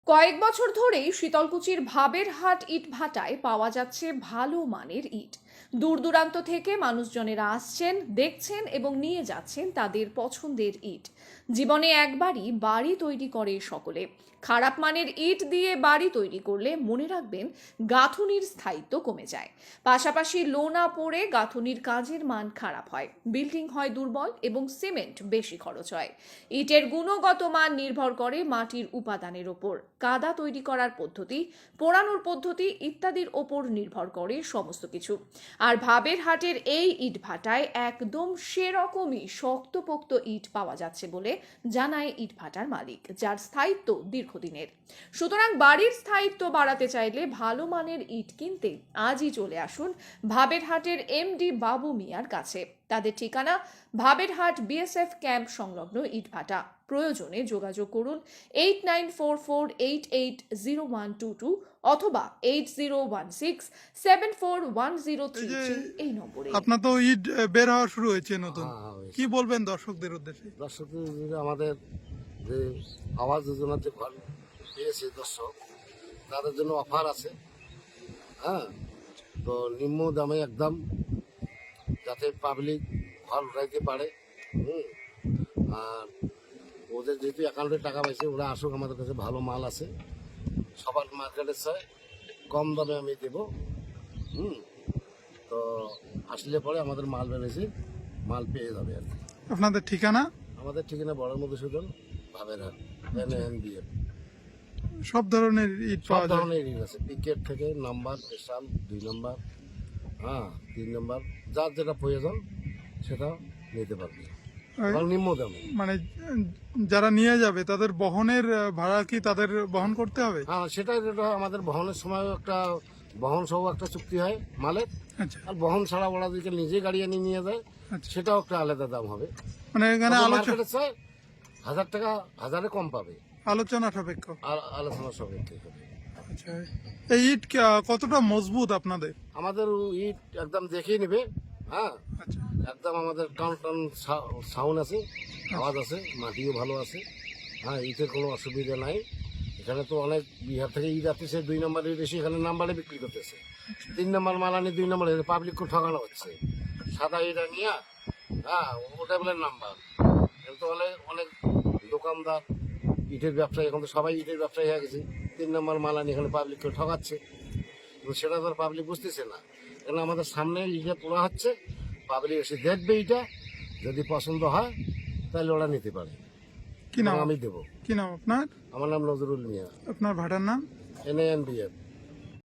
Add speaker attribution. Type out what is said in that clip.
Speaker 1: কয়েক বছর ধরেই শীতলকুচির ভাবের হাট ইট ভাটায় পাওয়া যাচ্ছে ভালো মানের ইট। দূর দূরান্ত থেকে মানুষজনেরা আসছেন, দেখছেন এবং নিয়ে যাচ্ছেন তাদের পছন্দের ইট। জীবনে একবারই বাড়ি তৈরি করে সকলে। খারাপ মানের ইট দিয়ে বাড়ি তৈরি করলে মনে রাখবেন গাঁথুনির স্থায়িত্ব কমে যায়। পাশাপাশি লোনা পড়ে গাঁথুনির কাজের মান খারাপ হয়, বিল্ডিং হয় দুর্বল এবং সিমেন্ট বেশি খরচ হয়। ইটের গুণগত মান নির্ভর করে মাটির উপাদানের ওপর, কাদা তৈরি করার পদ্ধতি, পোড়ানোর পদ্ধতি ইত্যাদির ওপর নির্ভর করে সমস্ত কিছু। আর ভাবের হাটের এই ইট ভাটায় একদম সেরকমই শক্তপোক্ত ইট পাওয়া যাচ্ছে বলে জানায় ইট ভাটার মালিক, যার স্থায়িত্ব দীর্ঘদিনের। সুতরাং বাড়ির স্থায়িত্ব বাড়াতে চাইলে ভালো মানের ইট কিনতে আজই চলে আসুন ভাবের হাটের এমডি বাবু মিয়ার কাছে। তাদের ঠিকানা ভাবের হাট বিএসএফ ক্যাম্প সংলগ্ন ইট ভাটা। প্রয়োজনে যোগাযোগ করুন 8944880122 অথবা 8016741033 এই নম্বরে।
Speaker 2: আপনার তো ঈদ বের হওয়া শুরু হয়েছে নতুন, কি বলবেন দর্শকদের উদ্দেশ্যে?
Speaker 3: দর্শকদের আমাদের যে আবাস যোজনার যে ঘর পেয়েছে দর্শক, তাদের জন্য অফার আছে। হ্যাঁ, তো নিম্ন দামে একদম, যাতে পাবলিক ঘর উঠাইতে পারে। আর ওদের যেহেতু অ্যাকাউন্টে টাকা পাইছে, ওরা আসুক, আমাদের কাছে ভালো মাল আছে, সবার মার্কেটের চাই কম দামে আমি দেবো। তো আসলে পরে আমাদের মাল বেড়েছে, মাল পেয়ে যাবে আর কি।
Speaker 2: আপনাদের ঠিকানা?
Speaker 3: আমাদের ঠিকানা বড় মধুসূদন, ভাবের হাট, NANBF।
Speaker 2: সব ধরনের ইট
Speaker 3: সব
Speaker 2: পাওয়া যায়?
Speaker 3: ধরনের ইট আছে, পিকেট থেকে নাম্বার, স্পেশাল 2 নম্বর, 3 নম্বর, যার যেটা প্রয়োজন সেটা নিতে পারবে এবং নিম্ন দামে।
Speaker 2: মানে যারা নিয়ে যাবে তাদের বহনের ভাড়া কি তাদের বহন করতে হবে?
Speaker 3: হ্যাঁ, সেটাই, যেটা আমাদের বহনের সময় একটা বহন সহ একটা চুক্তি হয় মালের।
Speaker 2: আচ্ছা
Speaker 3: আর বহন ছাড়া ওরা যদি নিজে গাড়ি এনে নিয়ে যায়,
Speaker 2: আচ্ছা।
Speaker 3: সেটাও একটা আলাদা দাম হবে।
Speaker 2: মানে এখানে
Speaker 3: মার্কেটে চাই 1000 টাকা, 1000-এ কম পাবে,
Speaker 2: আলোচনা সাপেক্ষ।
Speaker 3: আর আলোচনা সাপেক্ষে হবে।
Speaker 2: আচ্ছা, এই ইট কতটা মজবুত আপনাদের?
Speaker 3: আমাদের ইট একদম দেখেই নেবে। হ্যাঁ,
Speaker 2: আচ্ছা
Speaker 3: একদম আমাদের টান টান সাউন্ড আছে, আওয়াজ আছে, মাটিও ভালো আছে। হ্যাঁ, ইটের কোনো অসুবিধা নাই। এখানে তো অনেক বিহার থেকে ইট আসতেছে, 2 নম্বর ইট এসে এখানে নাম্বারে বিক্রি করতেছে। 3 নম্বর মাল আনি 2 নম্বরে, পাবলিককে ঠকানো হচ্ছে। সাদা ইট নিয়ে, ওটা বলে নাম্বার। কিন্তু অনেক অনেক দোকানদার ইটের ব্যবসায়ী, এখন তো সবাই ইটের ব্যবসায়ী হয়ে গেছে। 3 নম্বর মাল আনি এখানে পাবলিককে ঠকাচ্ছে, কিন্তু সেটা তো পাবলিক বুঝতেছে না। কেন আমাদের সামনে ইটা তোলা হচ্ছে, পাবলিক এসে দেখবে, এটা যদি পছন্দ হয় তাহলে ওরা নিতে পারে।
Speaker 2: কি নাম?
Speaker 3: আমি দেবো।
Speaker 2: কি নাম আপনার?
Speaker 3: আমার নাম নজরুল মিয়া,
Speaker 2: আপনার ভাটার নাম?
Speaker 3: NANBF।